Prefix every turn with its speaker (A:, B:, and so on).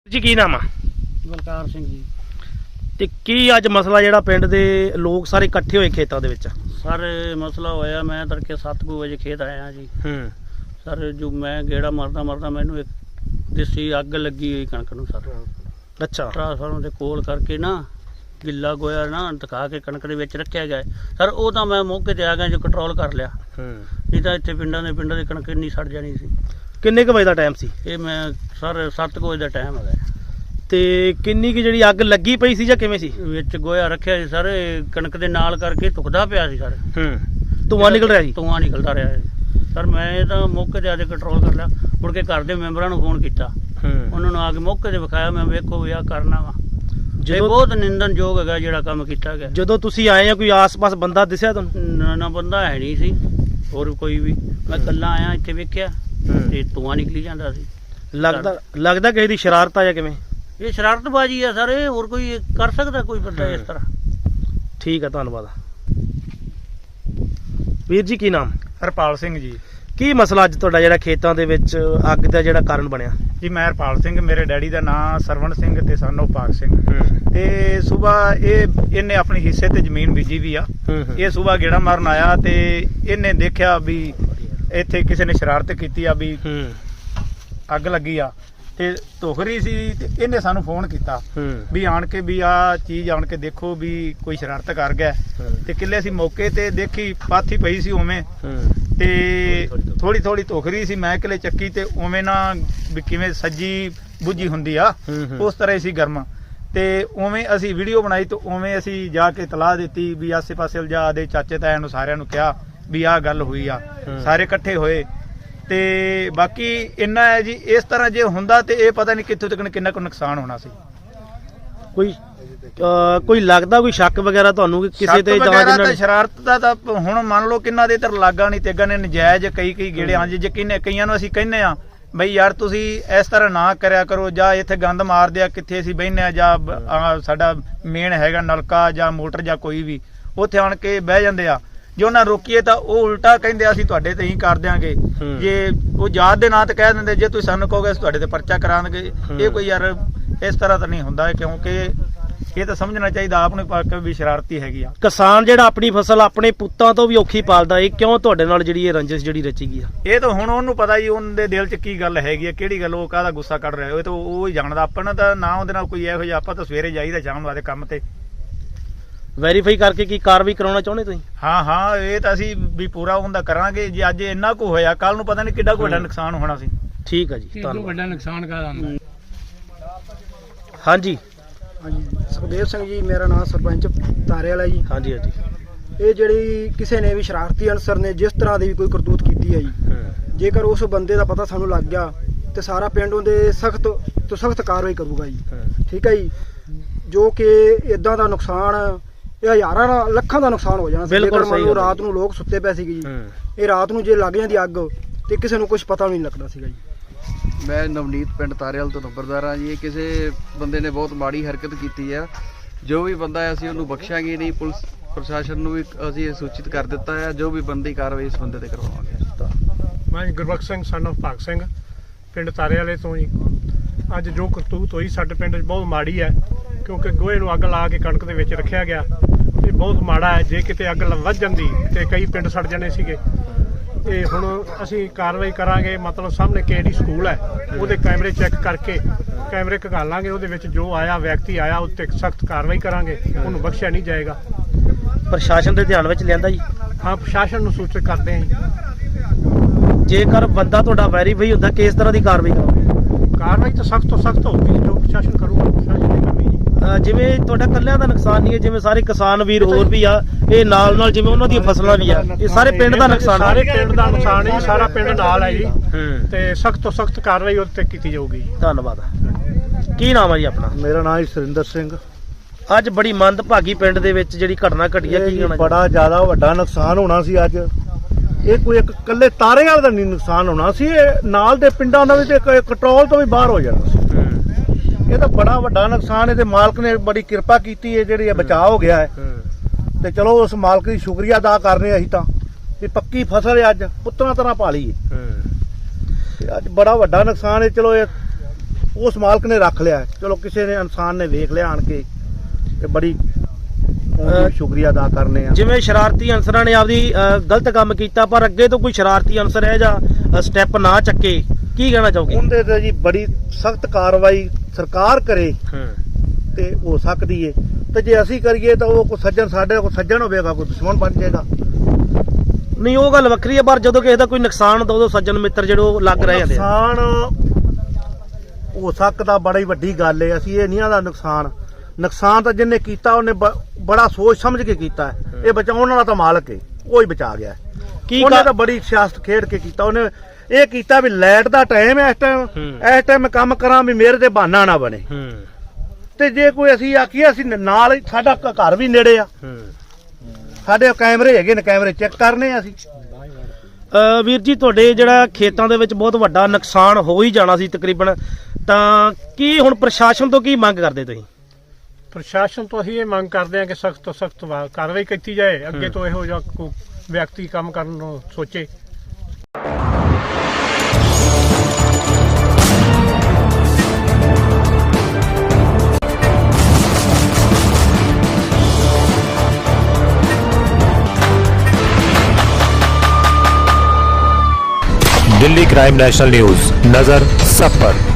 A: ਜੀ ਕੀ ਨਾਮ ਆ?
B: ਬਲਕਾਰ ਸਿੰਘ ਜੀ।
A: ਤੇ ਕੀ ਅੱਜ ਮਸਲਾ ਜਿਹੜਾ ਪਿੰਡ ਦੇ ਲੋਕ ਸਾਰੇ ਇਕੱਠੇ ਹੋਏ ਖੇਤਾਂ ਦੇ ਵਿੱਚ?
B: ਸਰ ਮਸਲਾ ਹੋਇਆ, ਮੈਂ ਤੜਕੇ 7 ਵਜੇ ਖੇਤ ਆਇਆ ਜੀ। ਸਰ ਜੋ ਮੈਂ ਗੇੜਾ ਮਾਰਦਾ ਮੈਨੂੰ ਇੱਕ ਦੇਸੀ ਅੱਗ ਲੱਗੀ ਹੋਈ ਕਣਕ ਨੂੰ ਸਰ।
A: ਅੱਛਾ।
B: ਟਰਾਂਸਫਾਰਮਰ ਦੇ ਕੋਲ ਕਰਕੇ ਨਾ ਗਿੱਲਾ ਗੋਇਆ ਨਾ ਦਿਖਾ ਕੇ ਕਣਕ ਦੇ ਵਿੱਚ ਰੱਖਿਆ ਗਿਆ ਸਰ। ਉਹ ਤਾਂ ਮੈਂ ਮੌਕੇ ਤੇ ਆ ਗਿਆ ਜੋ ਕੰਟਰੋਲ ਕਰ ਲਿਆ, ਨਹੀਂ ਤਾਂ ਇੱਥੇ ਪਿੰਡਾਂ ਦੀ ਕਣਕ ਇੰਨੀ ਸੜ ਜਾਣੀ ਸੀ।
A: ਕਿੰਨੇ ਕੁ ਵਜੇ ਦਾ ਟਾਈਮ ਸੀ
B: ਇਹ ਮੈਂ ਸਰ 7 ਵਜੇ ਦਾ ਟਾਈਮ ਹੈਗਾ।
A: ਤੇ ਕਿੰਨੀ ਕੁ ਜਿਹੜੀ ਅੱਗ ਲੱਗੀ ਪਈ ਸੀ ਜਾਂ ਕਿਵੇਂ ਸੀ?
B: ਵਿੱਚ ਗੋਇਆ ਰੱਖਿਆ ਸੀ ਸਰ, ਇਹ ਕਣਕ ਦੇ ਨਾਲ ਕਰਕੇ ਧੁਖਦਾ ਪਿਆ ਸੀ ਸਰ।
A: ਧੂੰਆਂ ਨਿਕਲ ਰਿਹਾ ਸੀ?
B: ਧੂੰਆਂ ਨਿਕਲਦਾ ਰਿਹਾ ਸਰ। ਮੈਂ ਤਾਂ ਮੌਕੇ ਤੇ ਆ ਕੇ ਕੰਟਰੋਲ ਕਰ ਲਿਆ। ਮੁੜ ਕੇ ਘਰ ਦੇ ਮੈਂਬਰਾਂ ਨੂੰ ਫੋਨ ਕੀਤਾ, ਉਹਨਾਂ ਨੂੰ ਆ ਕੇ ਮੌਕੇ ਤੇ ਵਿਖਾਇਆ। ਮੈਂ ਵੇਖੋ ਵੀ ਆਹ ਕਰਨਾ ਵਾ। ਇਹ ਬਹੁਤ ਨਿੰਦਣਯੋਗ ਹੈਗਾ ਜਿਹੜਾ ਕੰਮ ਕੀਤਾ ਗਿਆ।
A: ਜਦੋਂ ਤੁਸੀਂ ਆਏ ਆ ਕੋਈ ਆਸ-ਪਾਸ ਬੰਦਾ ਦਿਸਿਆ ਤੁਹਾਨੂੰ?
B: ਨਾ ਬੰਦਾ ਹੈ ਨਹੀਂ ਸੀ ਹੋਰ ਕੋਈ ਵੀ। ਮੈਂ ਇਕੱਲਾ ਆਇਆ, ਇੱਥੇ ਵੇਖਿਆ ਤੇ ਧੂੰਆਂ ਨਿਕਲੀ ਜਾਂਦਾ ਸੀ।
A: ਲੱਗਦਾ ਕਿਸੇ ਦੀ ਸ਼ਰਾਰਤ ਆ ਜਾਂ ਕਿਵੇਂ?
B: ਇਹ ਸ਼ਰਾਰਤਬਾਜ਼ੀ ਆ ਸਰ। ਇਹ ਹੋਰ ਕੋਈ ਕਰ ਸਕਦਾ ਕੋਈ ਬੰਦਾ ਇਸ ਤਰ੍ਹਾਂ?
A: ਠੀਕ ਆ, ਧੰਨਵਾਦ। ਵੀਰ ਜੀ ਕੀ ਨਾਮ?
C: ਹਰਪਾਲ ਸਿੰਘ ਜੀ।
A: ਕੀ ਮਸਲਾ ਅੱਜ ਤੁਹਾਡਾ ਜਿਹੜਾ ਖੇਤਾਂ ਦੇ ਵਿੱਚ ਅੱਗ ਦਾ ਜਿਹੜਾ ਕਾਰਨ ਬਣਿਆ?
C: ਜੀ ਮੈਂ ਹਰਪਾਲ ਸਿੰਘ, ਮੇਰੇ ਡੈਡੀ ਦਾ ਨਾਮ ਸਰਵਣ ਸਿੰਘ ਤੇ ਸਾਨੂੰ ਪਾਕ ਸਿੰਘ। ਤੇ ਸਵੇਰ ਇਹਨੇ ਆਪਣੀ ਹਿੱਸੇ ਤੇ ਜ਼ਮੀਨ ਬੀਜੀ ਵੀ ਆ। ਇਹ ਸਵੇਰ ਗੇੜਾ ਮਾਰਨ ਆਇਆ ਤੇ ਇਹਨੇ ਦੇਖਿਆ ਵੀ ਇੱਥੇ ਕਿਸੇ ਨੇ ਸ਼ਰਾਰਤ ਕੀਤੀ ਆ ਵੀ ਅੱਗ ਲੱਗੀ ਆ ਤੇ ਧੁਖ ਰਹੀ ਸੀ। ਤੇ ਇਹਨੇ ਸਾਨੂੰ ਫੋਨ ਕੀਤਾ ਵੀ ਆਣ ਕੇ ਵੀ ਆ ਚੀਜ਼ ਆਣ ਕੇ ਦੇਖੋ ਵੀ ਕੋਈ ਸ਼ਰਾਰਤ ਕਰ ਗਿਆ। ਤੇ ਕਿੱਲੇ ਅਸੀਂ ਮੌਕੇ ਤੇ ਦੇਖੀ, ਪਾਥੀ ਪਈ ਸੀ ਉਵੇਂ ਤੇ ਥੋੜੀ ਧੁਖ ਰਹੀ ਸੀ। ਮੈਂ ਕਿਲੇ ਚੱਕੀ ਤੇ ਉਵੇਂ ਨਾ ਵੀ ਕਿਵੇਂ ਸੱਜੀ ਬੁੱਝੀ ਹੁੰਦੀ ਆ ਉਸ ਤਰ੍ਹਾਂ ਹੀ ਸੀ ਗਰਮ। ਤੇ ਉਵੇਂ ਅਸੀਂ ਵੀਡੀਓ ਬਣਾਈ ਤੇ ਉਵੇਂ ਅਸੀਂ ਜਾ ਕੇ ਤਲਾਹ ਦਿੱਤੀ ਵੀ ਆਸੇ ਪਾਸੇ ਉਲਝਾ ਦੇ ਚਾਚੇ ਤਾਇਆਂ ਨੂੰ ਸਾਰਿਆਂ ਨੂੰ ਕਿਹਾ ਵੀ ਆਹ ਗੱਲ ਹੋਈ ਆ। ਸਾਰੇ ਇਕੱਠੇ ਹੋਏ ਤੇ ਬਾਕੀ ਇੰਨਾ ਹੈ ਜੀ, ਇਸ ਤਰ੍ਹਾਂ ਜੇ ਹੁੰਦਾ ਤੇ ਇਹ ਪਤਾ ਨਹੀਂ ਕਿੱਥੋਂ ਤੱਕ ਕਿੰਨਾ ਕੁ ਨੁਕਸਾਨ ਹੋਣਾ ਸੀ।
A: ਕੋਈ ਲੱਗਦਾ ਕੋਈ ਸ਼ੱਕ ਵਗੈਰਾ ਤੁਹਾਨੂੰ ਕਿਸੇ ਤੇ?
C: ਜਾਂ ਸ਼ਰਾਰਤ ਦਾ ਤਾਂ ਹੁਣ ਮੰਨ ਲਓ ਕਿੰਨਾ ਦੇ ਇੱਧਰ ਲਾਗਾ ਨਹੀਂ ਤੇਗਾ ਨੇ ਨਜਾਇਜ਼ ਕਈ ਗੇੜੇ ਹਾਂਜੀ ਯਕੀਨ ਕਈਆਂ ਨੂੰ ਅਸੀਂ ਕਹਿੰਦੇ ਆ ਬਈ ਯਾਰ ਤੁਸੀਂ ਇਸ ਤਰ੍ਹਾਂ ਨਾ ਕਰਿਆ ਕਰੋ, ਜਾਂ ਇੱਥੇ ਗੰਦ ਮਾਰਦੇ ਆ ਕਿੱਥੇ ਅਸੀਂ ਬਹਿਨੇ ਆ, ਜਾਂ ਸਾਡਾ ਮੇਨ ਹੈਗਾ ਨਲਕਾ ਜਾਂ ਮੋਟਰ ਜਾਂ ਕੋਈ ਵੀ, ਉੱਥੇ ਆਣ ਕੇ ਬਹਿ ਜਾਂਦੇ ਆ। ਜੇ ਉਹਨਾਂ ਰੋਕੀਏ ਤਾਂ ਉਹ ਉਲਟਾ ਕਹਿੰਦੇ ਅਸੀਂ ਤੁਹਾਡੇ ਤੇ ਹੀ ਕਰ ਦਿਆਂਗੇ। ਜੇ ਉਹ ਯਾਦ ਦੇ ਨਾਂ ਤੇ ਕਹਿ ਦਿੰਦੇ ਜੇ ਤੁਸੀਂ ਸਾਨੂੰ ਕਹੋਗੇ ਅਸੀਂ ਤੁਹਾਡੇ ਤੇ ਪਰਚਾ ਕਰਾਂਗੇ। ਇਹ ਕੋਈ ਯਾਰ ਇਸ ਤਰ੍ਹਾਂ ਤਾਂ ਨਹੀਂ ਹੁੰਦਾ, ਕਿਉਂਕਿ ਇਹ ਤਾਂ ਸਮਝਣਾ ਚਾਹੀਦਾ ਆਪ ਨੂੰ ਵੀ ਸ਼ਰਾਰਤੀ ਹੈਗੀ ਆ।
A: ਕਿਸਾਨ ਜਿਹੜਾ ਆਪਣੀ ਫਸਲ ਆਪਣੇ ਪੁੱਤਾਂ ਤੋਂ ਵੀ ਔਖੀ ਪਾਲਦਾ, ਇਹ ਕਿਉਂ ਤੁਹਾਡੇ ਨਾਲ ਜਿਹੜੀ ਇਹ ਰੰਜਿਸ਼ ਜਿਹੜੀ ਰਚੀ ਗਈ ਆ?
C: ਇਹ ਤਾਂ ਹੁਣ ਉਹਨੂੰ ਪਤਾ ਹੀ ਉਹਨਾਂ ਦੇ ਦਿਲ 'ਚ ਕੀ ਗੱਲ ਹੈਗੀ ਆ, ਕਿਹੜੀ ਗੱਲ ਉਹ ਕਾਹਦਾ ਗੁੱਸਾ ਕੱਢ ਰਿਹਾ। ਇਹ ਤਾਂ ਉਹ ਹੀ ਜਾਣਦਾ। ਆਪਾਂ ਤਾਂ ਨਾ ਉਹਦੇ ਨਾਲ ਕੋਈ ਇਹੋ ਜਿਹਾ, ਆਪਾਂ ਤਾਂ ਸਵੇਰੇ ਜਾਈਦਾ ਸ਼ਾਮ ਵਾਲੇ ਕੰਮ ਤੇ।
A: ਵੈਰੀਫਾਈ ਕਰਕੇ ਕੀ ਕਾਰਵਾਈ ਕਰਾਉਣਾ ਚਾਹੁੰਦੇ ਤੁਸੀਂ?
C: ਹਾਂ ਇਹ ਤਾਂ ਅਸੀਂ ਵੀ ਪੂਰਾ ਹੁੰਦਾ ਕਰਾਂਗੇ। ਜੇ ਅੱਜ ਇੰਨਾ ਕੁ ਹੋਇਆ, ਕੱਲ ਨੂੰ ਪਤਾ ਨਹੀਂ ਕਿੱਡਾ ਕੁ ਵੱਡਾ ਨੁਕਸਾਨ ਹੋਣਾ ਸੀ।
A: ਠੀਕ ਆ ਜੀ, ਧੰਨਵਾਦ।
B: ਵੱਡਾ ਨੁਕਸਾਨ ਕਾਹਦਾ?
A: ਹਾਂਜੀ
D: ਸੁਖਦੇਵ ਸਿੰਘ ਜੀ ਮੇਰਾ ਨਾਮ, ਸਰਪੰਚ ਤਾਰੇ ਵਾਲਾ ਜੀ।
A: ਹਾਂਜੀ।
D: ਇਹ ਜਿਹੜੀ ਕਿਸੇ ਨੇ ਵੀ ਸ਼ਰਾਰਤੀ ਅਨਸਰ ਨੇ ਜਿਸ ਤਰ੍ਹਾਂ ਦੀ ਵੀ ਕੋਈ ਕਰਤੂਤ ਕੀਤੀ ਹੈ ਜੀ, ਜੇਕਰ ਉਸ ਬੰਦੇ ਦਾ ਪਤਾ ਸਾਨੂੰ ਲੱਗ ਗਿਆ ਤੇ ਸਾਰਾ ਪਿੰਡ ਉਹਦੇ ਸਖਤ ਤੋਂ ਸਖਤ ਕਾਰਵਾਈ ਕਰੂਗਾ ਜੀ। ਠੀਕ ਹੈ ਜੀ। ਜੋ ਕਿ ਇਦਾਂ ਦਾ ਨੁਕਸਾਨ, ਇਹ ਹਜ਼ਾਰਾਂ ਲੱਖਾਂ ਦਾ ਨੁਕਸਾਨ ਹੋ ਜਾਣਾ। ਜੇਕਰ ਮੰਨ ਲਓ ਰਾਤ ਨੂੰ ਲੋਕ ਸੁੱਤੇ ਪਏ ਸੀਗੇ ਜੀ, ਇਹ ਰਾਤ ਨੂੰ ਜੇ ਲੱਗ ਜਾਂਦੀ ਅੱਗ ਤੇ ਕਿਸੇ ਨੂੰ ਕੁਝ ਪਤਾ ਨਹੀਂ ਲੱਗਦਾ ਸੀਗਾ ਜੀ।
E: ਮੈਂ ਨਵਨੀਤ ਪਿੰਡ ਤਾਰੇਵਾਲ ਤੋਂ ਨੰਬਰਦਾਰ ਹਾਂ ਜੀ। ਇਹ ਕਿਸੇ ਬੰਦੇ ਨੇ ਬਹੁਤ ਮਾੜੀ ਹਰਕਤ ਕੀਤੀ ਆ। ਜੋ ਵੀ ਬੰਦਾ ਹੈ ਅਸੀਂ ਉਹਨੂੰ ਬਖਸ਼ਾਂਗੇ ਨਹੀਂ। ਪੁਲਿਸ ਪ੍ਰਸ਼ਾਸਨ ਨੂੰ ਵੀ ਅਸੀਂ ਸੂਚਿਤ ਕਰ ਦਿੱਤਾ ਹੈ, ਜੋ ਵੀ ਬੰਦੀ ਕਾਰਵਾਈ ਇਸ ਬੰਦੇ ਤੇ ਕਰਵਾਵਾਂਗੇ।
F: ਮੈਂ ਗੁਰਬਖਸ਼ ਸਿੰਘ ਸਨ ਆਫ ਭਾਗ ਸਿੰਘ, ਪਿੰਡ ਤਾਰੇ ਵਾਲੇ ਤੋਂ ਜੀ। ਅੱਜ ਜੋ ਕਰਤੂਤ ਹੋਈ ਸਾਡੇ ਪਿੰਡ 'ਚ ਬਹੁਤ ਮਾੜੀ ਹੈ, ਕਿਉਂਕਿ ਗੋਹੇ ਨੂੰ ਅੱਗ ਲਾ ਕੇ ਕਣਕ ਦੇ ਵਿੱਚ ਰੱਖਿਆ ਗਿਆ। ਇਹ ਬਹੁਤ ਮਾੜਾ ਹੈ। ਜੇ ਕਿਤੇ ਅੱਗ ਵੱਧ ਜਾਂਦੀ ਤੇ ਕਈ ਪਿੰਡ ਸੜ ਜਾਣੇ ਸੀਗੇ। ਤੇ ਹੁਣ ਅਸੀਂ ਕਾਰਵਾਈ ਕਰਾਂਗੇ। ਮਤਲਬ ਸਾਹਮਣੇ KD ਸਕੂਲ ਹੈ, ਉਹਦੇ ਕੈਮਰੇ ਚੈੱਕ ਕਰਕੇ ਕੈਮਰੇ ਘਾਲਾਂਗੇ। ਉਹਦੇ ਵਿੱਚ ਜੋ ਆਇਆ ਵਿਅਕਤੀ ਆਇਆ ਉੱਤੇ ਸਖਤ ਕਾਰਵਾਈ ਕਰਾਂਗੇ। ਉਹਨੂੰ ਬਖਸ਼ਿਆ ਨਹੀਂ ਜਾਏਗਾ।
A: ਪ੍ਰਸ਼ਾਸਨ ਦੇ ਧਿਆਨ ਵਿੱਚ ਲਿਆਂਦਾ ਜੀ?
F: ਹਾਂ, ਪ੍ਰਸ਼ਾਸਨ ਨੂੰ ਸੂਚਿਤ ਕਰਦੇ ਹਾਂ ਜੀ।
A: ਜੇਕਰ ਬੰਦਾ ਤੁਹਾਡਾ ਵੈਰੀਫਾਈ ਹੁੰਦਾ, ਕਿਸ ਤਰ੍ਹਾਂ ਦੀ ਕਾਰਵਾਈ ਕਰੋਗੇ?
F: ਕਾਰਵਾਈ ਤਾਂ ਸਖਤ ਤੋਂ ਸਖਤ ਹੋਊਗੀ, ਜੋ ਪ੍ਰਸ਼ਾਸਨ ਕਰੂਗਾ ਪ੍ਰਸ਼ਾਸਨ ਨੇ ਕਰਨੀ ਜੀ।
A: ਜਿਵੇਂ ਤੁਹਾਡਾ ਇਕੱਲਿਆਂ ਦਾ ਨੁਕਸਾਨ ਨਹੀਂ ਹੈ, ਜਿਵੇਂ ਸਾਰੇ ਕਿਸਾਨ ਵੀਰ ਹੋਰ ਵੀ ਆ, ਇਹ ਨਾਲ ਜਿਵੇਂ ਉਹਨਾਂ ਦੀਆਂ ਫਸਲਾਂ ਵੀ ਆ, ਇਹ ਸਾਰੇ ਪਿੰਡ ਦਾ ਨੁਕਸਾਨ?
F: ਸਾਰੇ ਪਿੰਡ ਦਾ ਨੁਕਸਾਨ ਹੈ ਜੀ, ਸਾਰਾ ਪਿੰਡ ਨਾਲ ਹੈ ਜੀ। ਤੇ ਸਖਤ ਤੋਂ ਸਖਤ ਕਾਰਵਾਈ ਉਹਦੇ ਤੇ ਕੀਤੀ ਜਾਊਗੀ।
A: ਧੰਨਵਾਦ। ਕੀ ਨਾਮ ਹੈ ਜੀ ਆਪਣਾ?
G: ਮੇਰਾ ਨਾਮ ਸੁਰਿੰਦਰ ਸਿੰਘ।
A: ਅੱਜ ਬੜੀ ਮੰਦਭਾਗੀ ਪਿੰਡ ਦੇ ਵਿੱਚ ਜਿਹੜੀ ਘਟਨਾ ਘਟੀ ਹੈ, ਕੀ ਕਹਿਣਾ?
G: ਬੜਾ ਜ਼ਿਆਦਾ ਵੱਡਾ ਨੁਕਸਾਨ ਹੋਣਾ ਸੀ ਅੱਜ। ਇਹ ਕੋਈ ਇੱਕ ਇਕੱਲੇ ਤਾਰੇਵਾਲ ਦਾ ਨਹੀਂ ਨੁਕਸਾਨ ਹੋਣਾ ਸੀ, ਇਹ ਨਾਲ ਦੇ ਪਿੰਡਾਂ ਦਾ ਵੀ ਤੇ ਕੰਟਰੋਲ ਤੋਂ ਵੀ ਬਾਹਰ ਹੋ ਜਾਣਾ ਸੀ। ਇਹ ਤਾਂ ਬੜਾ ਵੱਡਾ ਨੁਕਸਾਨ ਹੈ ਤੇ ਮਾਲਕ ਨੇ ਬੜੀ ਕਿਰਪਾ ਕੀਤੀ ਹੈ, ਜਿਹੜੀ ਬਚਾਅ ਹੋ ਗਿਆ ਹੈ। ਤੇ ਚਲੋ ਉਸ ਮਾਲਕ ਦੀ ਸ਼ੁਕਰੀਆ ਅਦਾ ਕਰਨੇ ਅਸੀਂ ਤਾਂ ਵੀ ਪੱਕੀ ਫਸਲ ਅੱਜ ਪੁੱਤਰਾਂ ਤਰ੍ਹਾਂ ਪਾਲੀ ਹੈ। ਅੱਜ ਬੜਾ ਵੱਡਾ ਨੁਕਸਾਨ ਹੈ। ਚਲੋ ਇਹ ਉਸ ਮਾਲਕ ਨੇ ਰੱਖ ਲਿਆ। ਚਲੋ ਕਿਸੇ ਨੇ ਇਨਸਾਨ ਨੇ ਵੇਖ ਲਿਆ ਆਣ ਕੇ ਤੇ ਬੜੀ ਸ਼ੁਕਰੀਆ ਅਦਾ ਕਰਨੇ ਆ।
A: ਜਿਵੇਂ ਸ਼ਰਾਰਤੀ ਅਨਸਰਾਂ ਨੇ ਆਪਦੀ ਗਲਤ ਕੰਮ ਕੀਤਾ, ਪਰ ਅੱਗੇ ਤੋਂ ਕੋਈ ਸ਼ਰਾਰਤੀ ਅਨਸਰ ਹੈ ਜਾਂ ਸਟੈਪ ਨਾ ਚੱਕੇ, ਕੀ ਕਹਿਣਾ ਚਾਹੋਗੇ?
G: ਉਹਦੇ ਤੇ ਜੀ ਬੜੀ ਸਖਤ ਕਾਰਵਾਈ ਸਰਕਾਰ ਕਰੇ ਤੇ ਹੋ ਸਕਦੀ ਏ, ਤੇ ਜੇ ਅਸੀਂ ਕਰੀਏ ਤਾਂ ਉਹ ਕੋਈ ਸੱਜਣ ਸਾਡੇ ਕੋਲ ਸੱਜਣ ਹੋਵੇਗਾ, ਕੋਈ ਦੁਸ਼ਮਣ ਬਣ ਜਾਏਗਾ।
A: ਨਹੀਂ, ਉਹ ਗੱਲ ਵੱਖਰੀ ਹੈ, ਪਰ ਜਦੋਂ ਕਿਸੇ ਦਾ ਕੋਈ ਨੁਕਸਾਨ ਹੁੰਦਾ ਉਦੋਂ ਸੱਜਣ ਮਿੱਤਰ ਜਿਹੜੇ ਲੱਗ ਰਹੇ ਜਾਂਦੇ ਆ।
G: ਨੁਕਸਾਨ ਹੋ ਸਕਦਾ ਬੜੀ ਵੱਡੀ ਗੱਲ ਏ, ਅਸੀਂ ਇਹ ਨਹੀਂ ਆਦਾ ਨੁਕਸਾਨ ਤਾਂ ਜਿਹਨੇ ਕੀਤਾ ਉਹਨੇ ਬੜਾ ਸੋਚ ਸਮਝ ਕੇ ਕੀਤਾ ਹੈ। ਇਹ ਬਚਾਉਣ ਵਾਲਾ ਤਾਂ ਮਾਲਕ ਏ, ਉਹ ਹੀ ਬਚਾ ਗਿਆ। ਉਹਨੇ ਤਾਂ ਬੜੀ ਸਿਆਸਤ ਖੇਡ ਕੇ ਕੀਤਾ। ਉਹਨੇ ਇਹ ਕੀਤਾ ਵੀ ਲਾਈਟ ਦਾ ਟਾਈਮ ਹੈ, ਇਸ ਟਾਈਮ ਮੈਂ ਕੰਮ ਕਰਾਂ ਵੀ ਮੇਰੇ ਤੇ ਬਹਾਨਾ ਨਾ ਬਣੇ। ਤੇ ਜੇ ਕੋਈ ਅਸੀਂ ਆਖੀਏ ਅਸੀਂ ਨਾਲ ਸਾਡਾ ਘਰ ਵੀ ਨੇੜੇ ਆ, ਸਾਡੇ ਕੈਮਰੇ ਹੈਗੇ ਨੇ, ਕੈਮਰੇ ਚੈੱਕ ਕਰਨੇ ਅਸੀਂ।
A: ਵੀਰ ਜੀ, ਤੁਹਾਡੇ ਜਿਹੜਾ ਖੇਤਾਂ ਦੇ ਵਿੱਚ ਬਹੁਤ ਵੱਡਾ ਨੁਕਸਾਨ ਹੋ ਹੀ ਜਾਣਾ ਸੀ ਤਕਰੀਬਨ, ਤਾਂ ਕੀ ਹੁਣ ਪ੍ਰਸ਼ਾਸਨ ਤੋਂ ਕੀ ਮੰਗ ਕਰਦੇ ਤੁਸੀਂ?
F: ਪ੍ਰਸ਼ਾਸਨ ਤੋਂ ਅਸੀਂ ਇਹ ਮੰਗ ਕਰਦੇ ਹਾਂ ਕਿ ਸਖਤ ਤੋਂ ਸਖਤ ਕਾਰਵਾਈ ਕੀਤੀ ਜਾਏ, ਅੱਗੇ ਤੋਂ ਇਹੋ ਜਿਹਾ ਕੋਈ ਵਿਅਕਤੀ ਕੰਮ ਕਰਨ ਨੂੰ ਸੋਚੇ।
H: दिल्ली क्राइम नेशनल न्यूज, नजर सब पर।